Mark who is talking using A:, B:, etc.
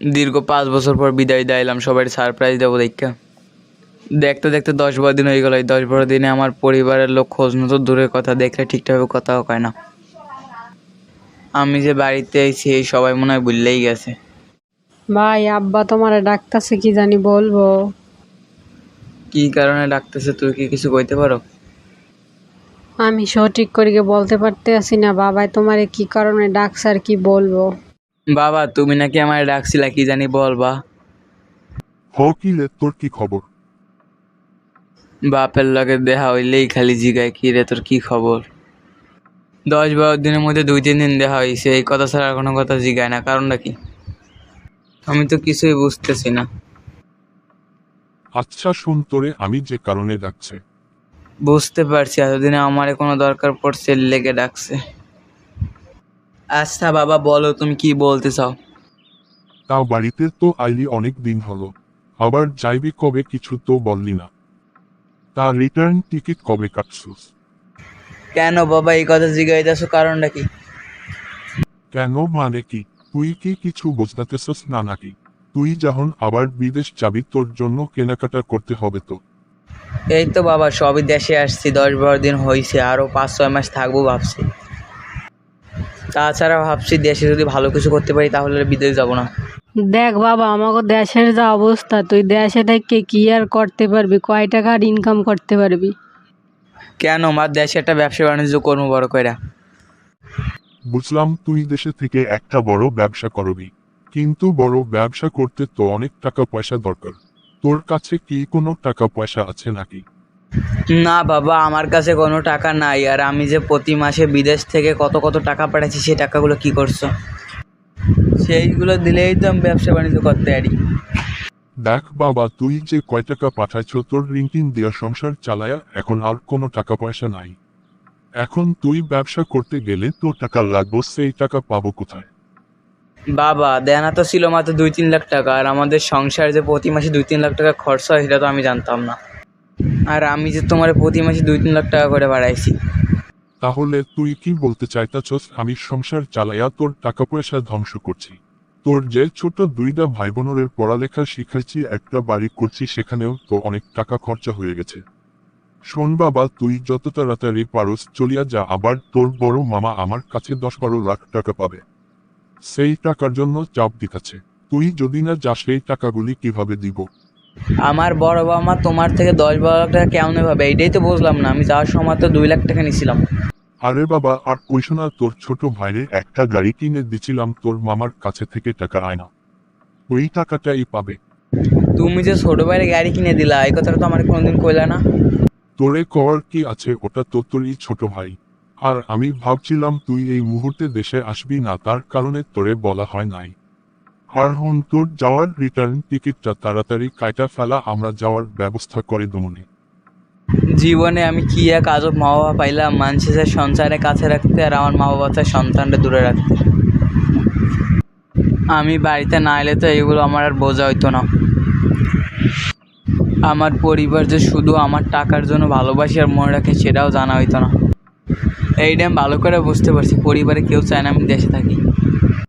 A: দীর্ঘ 5 বছর পর বিদায় দিলাম, সবাই সারপ্রাইজ দেবো দেখা। দেখতে দেখতে 10-12 দিন হয়ে গেল। এই 10-12 দিনে আমার পরিবারের লোক খোঁজ নতো দূরের কথা, দেখলে ঠিকঠাকভাবে কথাও কয় না। আমি যে বাড়িতে আইছি এই সবাই মনে হয় ভুললেই গেছে।
B: ভাই, আব্বা তোমারে ডাকতাছে, কি জানি বলবো।
A: কি কারণে ডাকতেছে তুই কি কিছু কইতে পারো?
B: আমি সঠিক করে বলতে পারতেছি না বাবাই তোমারে কি কারণে ডাকছে আর কি বলবো।
A: বাবা তুমি নাকি আমার ডাকছিলা, কি জানি বলবা।
C: কি রে, তোর কি খবর?
A: বাপের লগে দেখা হইলেই খালি জিগায় কি রে তোর কি খবর। 10-12 দিনের মধ্যে 2-3 দিন দেখা হয়েছে, এই কথা ছাড়া কোনো কথা জিগায় না, কারণটা কি? আমি তো কিছুই বুঝতেছি না।
C: আচ্ছা শুন, তোরে আমি যে কারণে ডাকছে।
A: বুঝতে পারছি, এতদিনে আমার কোনো দরকার পড়ছে লেগে ডাকছে। আচ্ছা বাবা বলো তুমি কি বলতে চাও।
C: তাও বাড়িতে তো আইলি অনেক দিন হলো, আবার যাইবি কবে কিছু তো বললি না। তা রিটার্ন টিকিট কবে কাটছিস?
A: কেন বাবা এই কথা জিগাইতেছো, কারণটা কি?
C: কেন মানে কি? তুই কি কিছু বুঝতেছস না নাকি? তুই যখন আবার বিদেশ যাবি তোর জন্য কেনাকাটা করতে হবে তো।
A: এই তো বাবা সবই দেশে আসছি, 10-12 দিন হয়েছে, আরও 5-6 মাস থাকবো ভাবছি। তাছাড়া ভাবছি দেশে যদি ভালো কিছু করতে পারি তাহলে বিদেশ যাব না।
B: দেখ বাবা, আমাকে দেশের যা অবস্থা, তুই দেশে থেকে কি আর করতে পারবি? কয় টাকার ইনকাম করতে পারবি?
A: কেন মা, দেশে একটা ব্যবসা বাণিজ্য করবো বড় কইরা।
C: বুঝলাম তুই দেশে থেকে একটা বড় ব্যবসা করবি, কিন্তু বড় ব্যবসা করতে তো অনেক টাকা পয়সা দরকার। তোর কাছে কি কোনো টাকা পয়সা আছে নাকি?
A: না বাবা আমার কাছে কোনো টাকা নাই, আর আমি যে প্রতি মাসে বিদেশ থেকে কত কত টাকা পাঠাচ্ছি সেই টাকাগুলো কি করছো? সেইগুলো দিলেই তো আমি ব্যবসা বাণিজ্য করতে পারি।
C: দেখ বাবা, তুই যে কয় টাকা পাঠাইছ তোর ঋণ দেওয়া সংসার চালায়া এখন আর কোনো টাকা পয়সা নাই। এখন তুই ব্যবসা করতে গেলে তোর টাকা লাগবে, সেই টাকা পাবো কোথায়?
A: বাবা দেনা তো ছিল মাত্র 2-3 লাখ টাকা, আর আমাদের সংসার যে প্রতি মাসে 2-3 লাখ টাকা খরচা হয় সেটা তো আমি জানতাম না। আর আমি যে তোমার প্রতি মাসে 2-3 লাখ টাকা করে বাড়াইছি।
C: তাহলে তুই কি বলতে চাইতাছস আমি সংসার চালাইয়া তোর টাকা পয়সা ধ্বংস করছি? তোর যে ছোট দুইটা ভাই বোনের পড়ালেখা শিখাইছি, একটা বাড়ি করছি, সেখানেও তো অনেক টাকা খরচা হয়ে গেছে। শোন বাবা, তুই যত তাড়াতাড়ি পারস চলিয়া যা, আবার তোর বড় মামা আমার কাছে 10-12 লাখ টাকা পাবে, সেই টাকার জন্য চাপ দিতেছে। তুই যদি না যাস সেই টাকাগুলি কিভাবে দিব?
A: আমার বড় বাবা মা তোমার থেকে 10-12 লাখ টাকা কেমন ভাবে, এইটাই তো বুঝলাম না। আমি যাওয়ার সময় তো 2 লাখ টাকা নিয়েছিলাম।
C: আরে বাবা আর কইস না, তোর ছোট ভাইরে একটা গাড়ি কিনে দিছিলাম, তোর মামার কাছে থেকে টাকা আয় না, ওই টাকাটাই পাবে।
A: তুমি যে ছোট ভাইয়ের গাড়ি কিনে দিলা এই কথাটা তো আমার কোনোদিন কইলা না।
C: তোরে কর কি আছে, ওটা তো তোরই ছোট ভাই। আর আমি ভাবছিলাম তুই এই মুহূর্তে দেশে আসবি না, তার কারণে তোরে বলা হয় নাই। আর হন তোর যাওয়ার রিটার্ন টিকিটটা তাড়াতাড়ি কাইটা ফেলা, আমরা যাওয়ার ব্যবস্থা করে দমনে।
A: জীবনে আমি কি এক আজব মা বাবা পাইলাম, মানুষের সঞ্চারে কাছে রাখতে আর আমার মা বাবা চায় সন্তানটা দূরে রাখতে। আমি বাড়িতে না এলে তো এগুলো আমার আর বোঝা হইতো না। আমার পরিবার যে শুধু আমার টাকার জন্য ভালোবাসি আর মনে রাখে সেটাও জানা হইতো না। এইটা আমি ভালো করে বুঝতে পারছি, পরিবারে কেউ চায় না আমি দেশে থাকি।